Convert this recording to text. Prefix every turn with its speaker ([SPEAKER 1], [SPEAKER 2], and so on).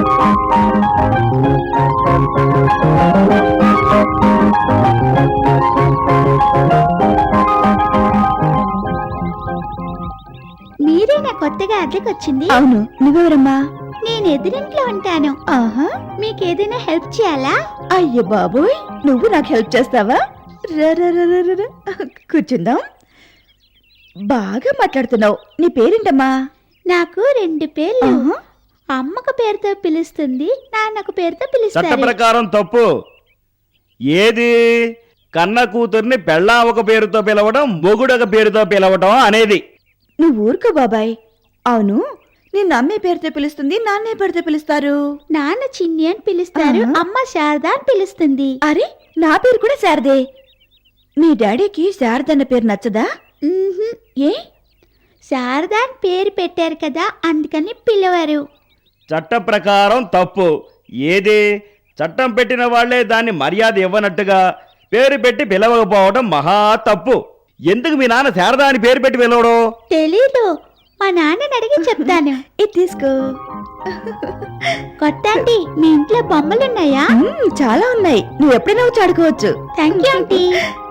[SPEAKER 1] మీరేనా కొత్తగా అద్దెకొచ్చింది?
[SPEAKER 2] అవును. నువ్వెవరమ్మా?
[SPEAKER 1] నేను ఎదురింట్లో ఉంటాను.
[SPEAKER 2] ఆహా,
[SPEAKER 1] మీకేదైనా హెల్ప్ చేయాలా?
[SPEAKER 2] అయ్యో బాబోయ్, నువ్వు నాకు హెల్ప్ చేస్తావా? రా, రా, రా, రా, రా, రా. కూర్చుందాం. బాగా మాట్లాడుతున్నావు. నీ పేరేంటమ్మా?
[SPEAKER 1] నాకు 2 పేర్లు.
[SPEAKER 2] ఆహా.
[SPEAKER 1] అమ్మకు పేరుతో పిలుస్తుంది, నాన్నకు పేరుతో
[SPEAKER 3] చట్ట
[SPEAKER 1] పిలుస్తారు.
[SPEAKER 3] ప్రకారం తప్పు. ఏది కన్న కూతుర్ని పెళ్ళాం ఒక పేరుతో పిలవడం, మొగుడొక పేరుతో పిలవడం అనేది.
[SPEAKER 2] నువ్వు ఊరుకో బాబాయ్. అవును, నిన్ను అమ్మే పేరుతో పిలుస్తుంది, నాన్నే పేరుతో పిలుస్తారు.
[SPEAKER 1] నాన్న చిన్ని అని పిలుస్తారు,
[SPEAKER 2] ఆహా.
[SPEAKER 1] అమ్మ శారద అని పిలుస్తుంది.
[SPEAKER 2] అరే, నా పేరు కూడా శారదే. మీ డాడీకి శారద అన్న పేరు నచ్చదా?
[SPEAKER 1] మ్మ్హ్మ్.
[SPEAKER 2] ఏ?
[SPEAKER 1] శారద అని పేరు పెట్టారు కదా, అందుకని పిలవరు.
[SPEAKER 3] చట్ట ప్రకారం తప్పు. ఏది చట్టం పెట్టిన వాళ్లే దాన్ని మర్యాద ఇవ్వనట్టుగా పేరు పెట్టి పిలవకపోవడం మహా తప్పు. ఎందుకు మీ నాన్న శారదా అని పేరు పెట్టి పిలవడం?
[SPEAKER 1] తెలీదు, మా నాన్నని అడిగి చెప్తాను.
[SPEAKER 2] ఇది తీసుకో.
[SPEAKER 1] కొత్త ఆంటీ, మీ ఇంట్లో బొమ్మలున్నాయా?
[SPEAKER 2] చాలా ఉన్నాయి. నువ్వు ఎప్పుడైనా వచ్చి ఆడుకోవచ్చు.
[SPEAKER 1] Thank you aunty.